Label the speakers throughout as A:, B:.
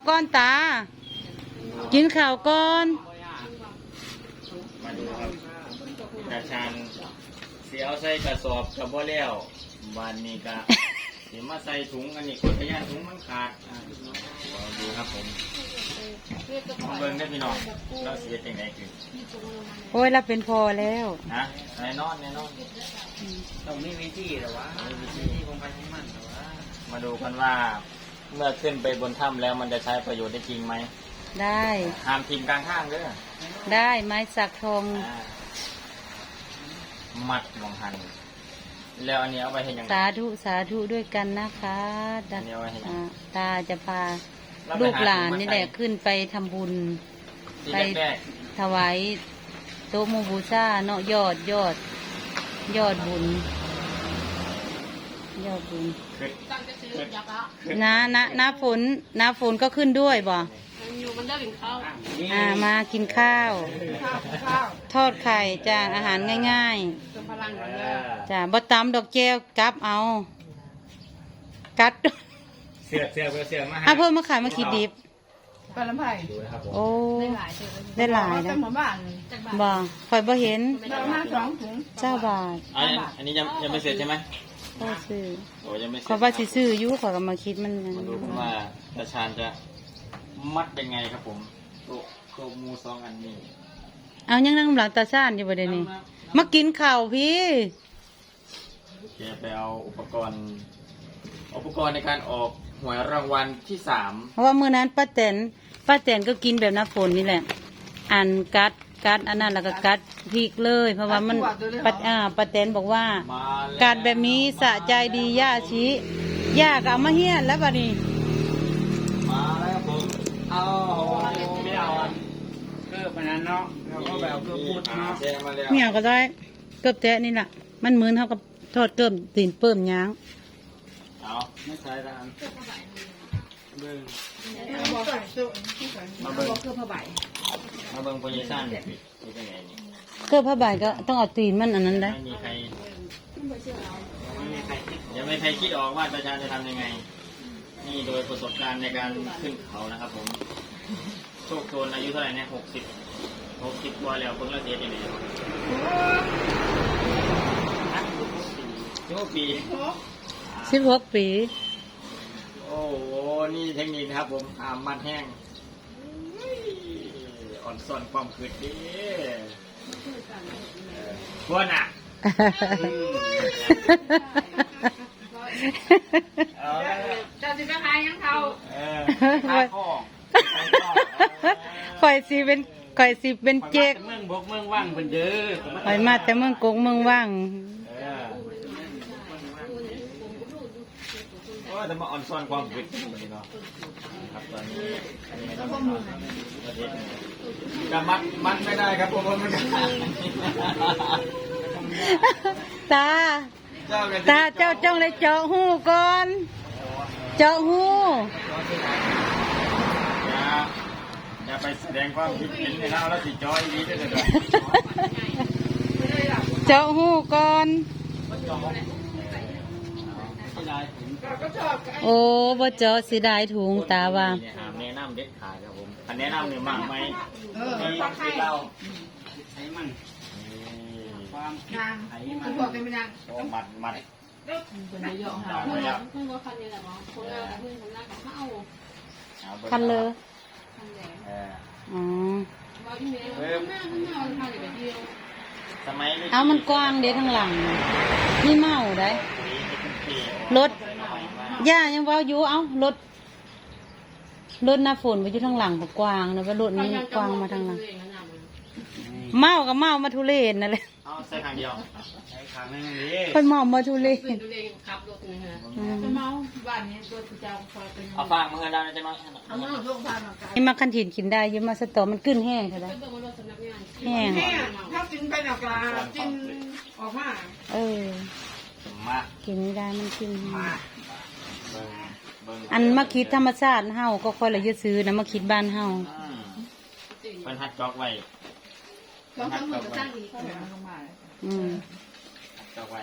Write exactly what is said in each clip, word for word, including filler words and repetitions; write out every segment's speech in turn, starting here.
A: ก้อนตากินข้าวก้อน
B: มาดูครับตาชานเสียเอาใส่กระสอบกับบ่แล้ววันนี้ก็เดี๋ยวมาใส่ถุงอันนี้คนพยานถุงมันขาดดูครับผมเบิ่งได้พี่น้องเราเสียจังไงคือ
A: โอ้ยเราเป็นพอแล้ว
B: นะแน่นอนแน่นอน
C: ต้องมีวิธีหรอวะวิธีคงไปของมันหรอวะ
B: มาดูกันว่าเมื่อขึ้นไปบนถ้ำแล้วมันจะใช้ประโยชน์ได้จริงไหม
A: ได้
B: ห้ามทิ้งกลางข้างเด้อ
A: ได้ไม้สักทอง
B: มัดลงหันแล้วอันนี้เอาไปเห็นยังไง
A: สาธุสาธุด้วยกันนะคะตาจะพาลูกหลานนี่แหละขึ้นไปทำบุญไปถวายโต๊ะหมู่บูชาเนาะยอดยอดยอดบุญยอดบุญน้าน้าน้าฝนน้าฝนก็ขึ้นด้วยบ่
D: อยู่มันได้กินข้าว
A: อ่ามากินข้าวทอดไข่จ้าอาหารง่ายๆจ้าบะตำดอกแก้วกับเอากัด
B: เสือเสือเสือมา
A: ให้เพิ่มมาขายมาขีดดิบ
D: ปลาลำไผ่
A: โอ้ได้หลายนะบ่คอยบ่เห็นเจ้าบาท
B: อันนี้ยังยังไม่เสร็จใช่ไหม
A: ก็ซื้อ
B: โอ้ยังไม่เสร็จ
A: ขอว่าสิซื้อยุ่ขอกำมาคิดมัน
B: มาดูว่าตาชานจะมัดเป็นไงครับผมตัวตัวมูสองอันนี้
A: เอายังนั่งหลังตาชานอยู่บ่เดี๋ยวนี้มากินข้าวพี่
B: แกไปเอาอุปกรณ์อุปกรณ์ในการออกหวยรางวัลที่สาม
A: เพราะว่ามื้อนั้นป้าแตนป้าแตนก็กินแบบน้ำฝนนี่แหละอันกัดกัดอันนั้นแล้วก็กัดพริกเลยเพราะว่ามันป้าอ่าป้าแตนบอกว่ากัดแบบนี้สะใจดีย่าชี้ย่าก็เอามาเฮี้ยนแล้วบัดนี้
B: มาแล้วผมเอาไม่เอาอัน
C: เกือบอันนั้นเนาะแล้วก็แบบเกือบพูดเนาะ
A: เนี่ยก็ได้เกือบแตะนี่แหละมันเหมือนเท่ากับทอดเกือบตีนเปิ่มย้าง
B: เอาไม่ใช่ละอันเบิ้ง
D: มาเบิ้งเกือบผ้าใบ
B: มาเบิ้งโพซิชั่นเป็นไงนี่
A: เกือบผ้าใบก็ต้องเอาตีนมันอันนั้นได้
B: ไม่มีใครยังไม่ใครคิดออกว่าตาชานจะทำยังไงนี่โดยประสบการณ์ในการขึ้นเขานะครับผมโชคโชนอายุเท่าไหร่เนี่ยหกสิบหกสิบกว่าแล้วเพิ่งละเสียยังไงสิบหกปี
A: สิบหกปี
B: โอ้โหนี่เทคนิคนะครับผมหามมัดแห้งอ่อนซ่อนความขืดดีพวกน่ะ
D: จะสิไปขายยังเขา
A: ข่อยสิเป็นข่อยสิเป็นเจ๊ก
B: เมืองบกเมืองว่างเป็นเด้อ
A: ข่อยมาแต่เมืองกงเมืองว่าง
B: โอ้แต่มาอ่อนซ่อนความผิดนี่เนาะครับตอนนี้จะมัดมัดไม่ได้ครับผมมัน
A: ตาตาเจ้าจ้องเลยเจาะหูก่อนเจาะหู
B: อย่าอย่าไปแสดงความคิดเห็นในเราแล้วติดจอยดีด้วยเลย
A: เจาะหูก่อนโอ้บ่เจาะสิได้ถุงตาว่า
B: แนะนำเด็ดขาดครับผมอันแนะนำเนี่ยมากไหมมีที่เราใช้มัน
D: ความนางคุณบอกกันไม่นาง
B: มัดมัด
D: เป็นเยอะค่ะเพื่อนเพื่อนก็คันนี้แหละมั้งคนละเพื่อนคนละกับข้าว
A: คันเลยอ๋อเอามันกว้างเด้ทั้งหลังนี่เมาได้รถย่ายังว่าอยู่เอ้ารถรถหน้าฝนไปอยู่ทางหลังกับกวางนะว่ารถนี้กวางมาทางหลังเมากับเมามาทุเรศนั่นแหละ
B: เอาใส่ทางเดียวใส่ทางนึง
A: นี่คนเมามาทุเรศ
D: ขับรถนะฮะเมาบ้านนี้รถประจำคอยเป็น
B: เอาฟางมือได้จะมา
D: เอามือลงฟางมา
A: นี่มาคันถิ่นกินได้ยังมาสตอมันขึ้นแห้งค่ะได้แห้ง
D: ถ้ากินไปหนักลากินออกมา
A: เออกินไม่ได้มันกินอันมาคิดธรรมชาติเฮาก็ค่อยละยึดซื้อนะมาคิดบ้านเฮา
B: เป็นฮัดจอกไว้
D: จอกมือก็ตั้งอีก
A: อืม
B: จอกไว้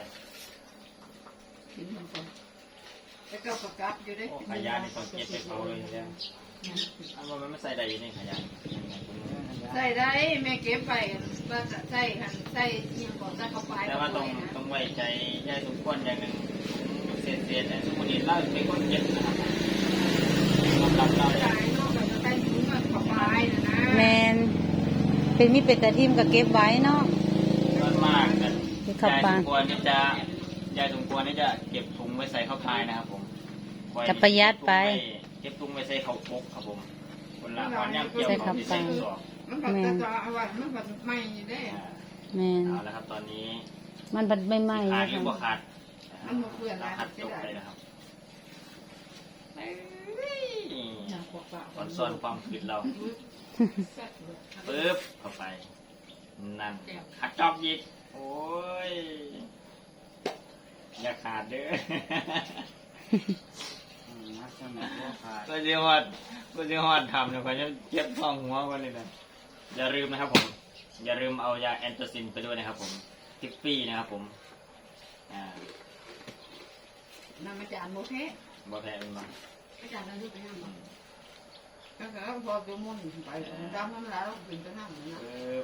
D: กินมันก่อนแล้วก็ประกาศอยู่ได้
B: ขยะนี่ต้องเก็บไปเขาเลยเนี่ยอันว่ามันไม่ใส่ใดอยู่ในขยะ
D: ใส่ได้แม่เก็บไปว่าจะใส่หันใส่ยังก่อนจะเข้าไป
B: แต่ว่าต้องต้องไว้ใจยายสมควรอย่างหนึ่งเศษเศษๆเนี่ยสมมติเล่าเป็นคนเก็บนะครับสำหรับเรา
D: ใส่
B: เนี่ย
D: นอกจากจะใส่ถุงมันเข้าไปนะนะ
A: แมนเป็นมีเป็ดแต่ทิมก็เก็บไว้เนาะ
B: ส่วนมากกัน
A: เก็บ
B: ยา
A: เข้าย ปา
B: ส
A: ก
B: มควรนี่จะยายสมควรนี่จะเก็บถุงไว้ใส่ข้าวพายนะครับผมคอย
A: จะประหยัดไป
B: เก็บถุงไว้ใส่ข้าวปกครับผมคนละคนย่ำเกี่ยว
A: ใส่ข้าว
B: ที่
A: ปลา
B: ใส่กระสอบ
D: มันก็จะจะเอาไว้มันก็ไม่ได้
B: อ่า
A: แมน
B: เอาละครับตอนนี้
A: มันบัดไม่ไหม้
B: ขาด
A: นะ
B: หรือบ่
A: คะ
B: ขาด
D: มันบ่เปื้อน
B: เรา
D: นะ
B: ขัดจบไปนะครับตอนซ่อนความผิดเราปึ๊บเข้าไปนั่นขัดจอบยิกโอ้ยอย่าขาดเด้อ
C: นักสมัครว่าขาด
B: ก็จะฮอดก็จะฮอดทำเดี๋ยวเขาจะเจ็บท้องหัวกันเลยนะอย่าลืมนะครับผม อย่าลืมเอายาแอนโทซินไปด้วยนะครับผมทิฟฟี่นะครับผมอ่า
D: น้ำอาจารย์โมเท
B: บอแพ้เป็นมา
D: อาจารย์นั่นไปห้ามก็คือพอจะมุ่นไปดำน้ำแล้วถึงจะห้ามนะ
B: เออ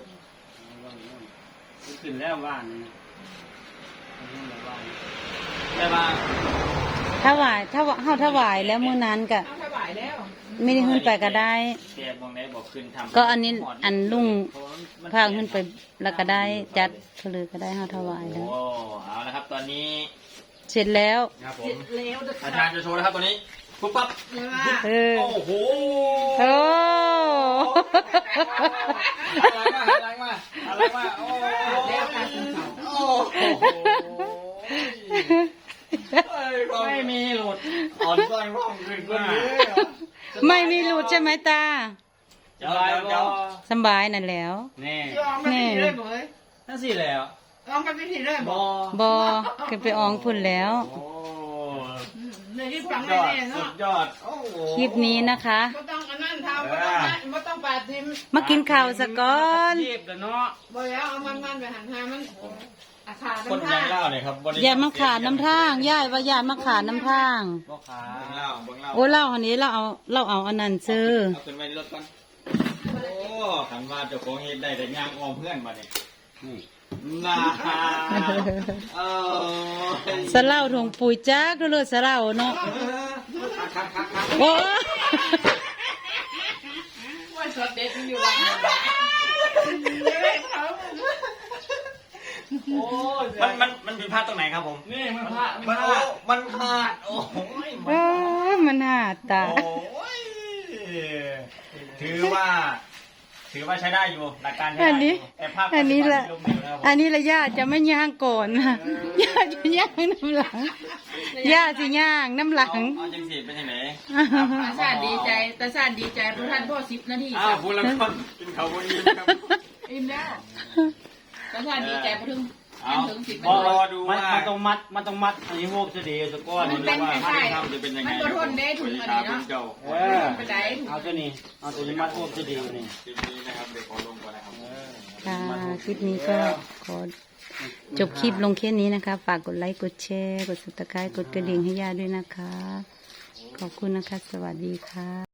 C: ขึ้นแล้วบ้านนี่ขึ้นแล้วบ้าน
B: ได้บ้าง
A: ถวายถ้าเฮาถวายแล้วมื้อนั้นก็
D: เอาถวายแล้ว
A: ไม่ได้ขึ้นไปก็ได้
B: เสียบองได้บอกขึ้นทำ
A: ก็อันนี้อันลุงพาขึ้นไปแล้วก็ได้จัดเพลือก็ได้เฮาถวายแล้ว
B: โอ้เอาละครับตอนนี้
A: เสร็จแล้ว
B: ครับผม
D: แล้วเด็ก
B: อาจารย์จะโชว์นะครับตอนนี้ปุ๊บปั๊บ
D: เลยว่า
A: เออ
B: โอ้โห
A: โอ้
B: อะไรมาอะไรมาอะไรมาโอ้โห
D: แล้วการศึกษา
B: โอ้โหไม่มีหลุดอ่อนซ้อยว่องขึ้นคนนี้
A: ไม่มีหลุดใช่ไหมตา
B: เดี๋ยวเดี๋ยวเดี๋ยว
A: สำบายนั่นแล้ว
B: นี่
D: ยอมไปที่เลยบ่เลย
B: นั่นสิแล้ว
D: ยอมไปที่เลย
B: บ
D: บ่
B: อ
A: บอขึ้นไปอองพุ่นแล้ว
B: โอ้
D: ในที่
B: สุ
D: ฟัง
B: ดย
D: ไม่
B: อด
D: แน่
B: สุ
D: เนาะ
B: ดยอดโอ้โห
A: คลิปนี้นะคะ
D: ไม่ต้องอันนั้นทำไม่ต้องนั่นไม่ต้องปาทิม
A: มากินข้าวสะก่อน
C: เทียบกันเนาะ
D: บ่แล้วเอามันมันไปหันหามันอาคา
B: คน
D: ทำ
B: ยั
D: ท่าง
B: เล่าเนี่ยครับ
A: อย่ามาขาดน้ำทางย่ายว่าอย่ามาขาดน้ำทาง
C: พ่อค้า
B: เบิ่งเล่าเบิ่งเล่า
A: โอ้เล่าอันนี้เราเอาเราเอาอันนั้นซื้อ
B: เอาขึ้นไปในรถก่อนโอ้ขันว่าเจ้าของเฮ็ดได้แต่ย่างออมเพื่อนมาเนี่ย
C: นี่
B: น่าเออ
A: สะเล่าถงปุ๋ยจักดูเลยสะเล่าเนาะ
B: คักคักคัก
A: โอ้
D: ว่าสดเด็ดอยู่วันนี้
B: โอ้มันมันมันผิดพลาดตรงไหนครับผม
C: นี่มันพระ
B: มันโอ้มันพลาดโอ้ย
A: เออมันหาตา
B: โอ้ยถือว่า ถือว่าใช้ได้อยู่หลักการใช้ได้
A: อันนี้
B: ยู่แต่ภาพ
A: อันนี้แหละ
B: ปฏิบัติที่ลงเหลวนะครับผม
A: อันนี้ละย่าจะไม่ย่างก่อนนะย่าจะย่างน้ำหลังย่าจะย่างน้ำหลัง
B: เอาเอาจังสีเป็นยังไง
D: ตาชาติดีใจตาชาติดีใจเพราะท่านพ่อสิบนาที
B: อ้าวพูดแล้วก็กินเขาวันนี้ครับ
D: อิ่มแล้วตาชาติดีใจเพราะถึง
B: เอา
D: ถึงสิบ
B: รอรอดู
C: มัน
B: ว่า
C: มันต้องมัดมันต้องมัดอันนี้โฮกจะดีสักก้อน
B: รอดูว่าถ้าทำจะเป็นยังไง
D: มันก็ทนได้ถุงอันนี้เนาะ
B: เจ้า
C: เออ
D: ไปไหน
C: เอาตัวนี้เอาตัวนี้มัดโฮกจะดีนี่
B: คลิปนี้นะครับเดี๋ยวขอลงก่อนนะครับ
A: ค่ะคลิปนี้ก็ขอจบคลิปลงแค่นี้นะคะ ฝากกดไลค์ กดแชร์ กดซับสไครต์กดกระดิ่งให้ย่าด้วยนะคะ ขอบคุณนะคะ สวัสดีค่ะ